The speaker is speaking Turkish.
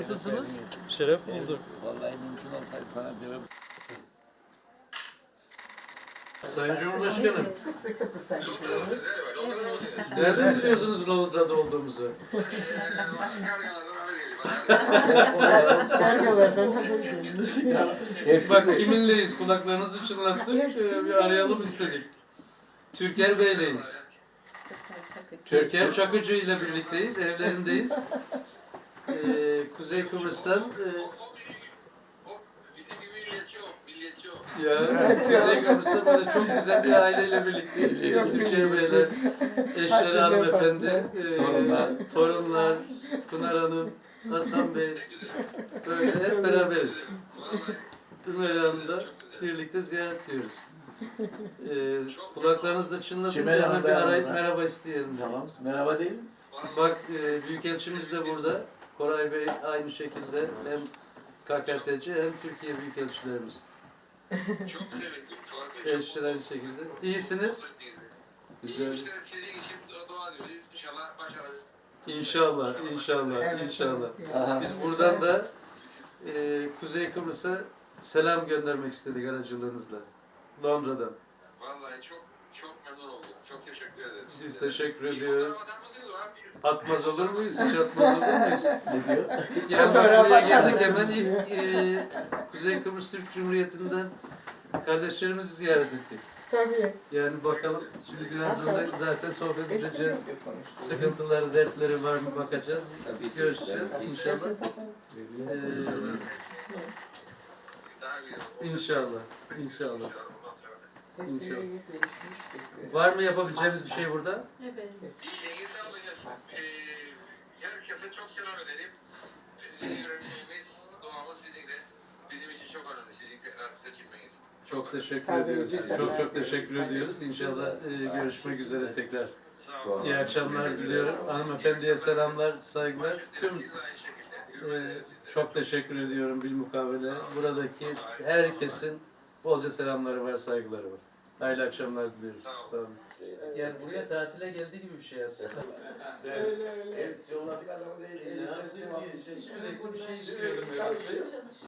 Nasılsınız? Şeref bulduk. Vallahi mümkün olsaydı sana diyorum. Sayın Cumhurbaşkanım, Sık sık Kıbrıs'a gidiyoruz. nereden biliyorsunuz Londra'da olduğumuzu? Kargalardan haber gelmiş. Bak kiminleyiz, kulaklarınızı çınlattık, bir arayalım istedik. Türker Bey'leyiz. Türker Çakıcı ile birlikteyiz, evlerindeyiz. Kuzey Kıbrıs'tan Kuzey Kıbrıs'ta böyle çok güzel bir aileyle birlikteyiz. Türker Bey'le, eşleri hanımefendi, torunlar, Pınar Hanım, Hasan Bey, böyle hep beraberiz. Ümeyye Hanım'da birlikte ziyaret diyoruz. Kulaklarınızda çınlatınca hemen bir arayıp merhaba isteyelim. Tamam. Merhaba değil mi? Bak Büyükelçimiz de burada. Koray Bey aynı şekilde hem KKTC hem Türkiye Büyükelçilerimiz. Çok sevindim. Eşler aynı şekilde. İyisiniz. Güzel. İşte sizin için dua ediyoruz. İnşallah başarırız. İnşallah, inşallah, inşallah. Aha. Biz buradan da Kuzey Kıbrıs'a selam göndermek istedik aracılığınızla. Londra'dan. Vallahi çok memnun oldum. Çok teşekkür ederim. Biz teşekkür ediyoruz. Fotoğraf atar mısınız o abi? Atmaz olur muyuz? Hiç atmaz olur muyuz? Ne diyor? Yani bak buraya geldik hemen ilk Kuzey Kıbrıs Türk Cumhuriyeti'nden kardeşlerimizi ziyaret ettik. Tabii. Yani bakalım şimdi birazdan da zaten sohbet edeceğiz. Sıkıntıları, dertleri var mı bakacağız. Görüşeceğiz inşallah. Daha güzel. İnşallah, inşallah. Ondan sonra. İnşallah. Var mı yapabileceğimiz bir şey burada? İyi, sağ olun. Herkese çok selam ederim. Yüreğimiz, duamız sizinle. Bizim için çok önemli sizin tekrar seçilmeniz. Çok teşekkür Tabii, ediyoruz. biz de Çok teşekkür ediyoruz. İnşallah görüşmek üzere tekrar. Sağ olun. İyi akşamlar diliyorum. Hanımefendiye selamlar, saygılar. Tüm Siz de aynı şekilde. çok teşekkür ediyorum bilmukabele. Buradaki herkesin bolca selamları var, saygıları var. Hayırlı akşamlar diliyorum. Sağ olun. Yani buraya tatile geldiği gibi bir şey aslında. Evet, yolladık adamı değil. Ne yapsın ki? Sürekli bir şey istiyordum.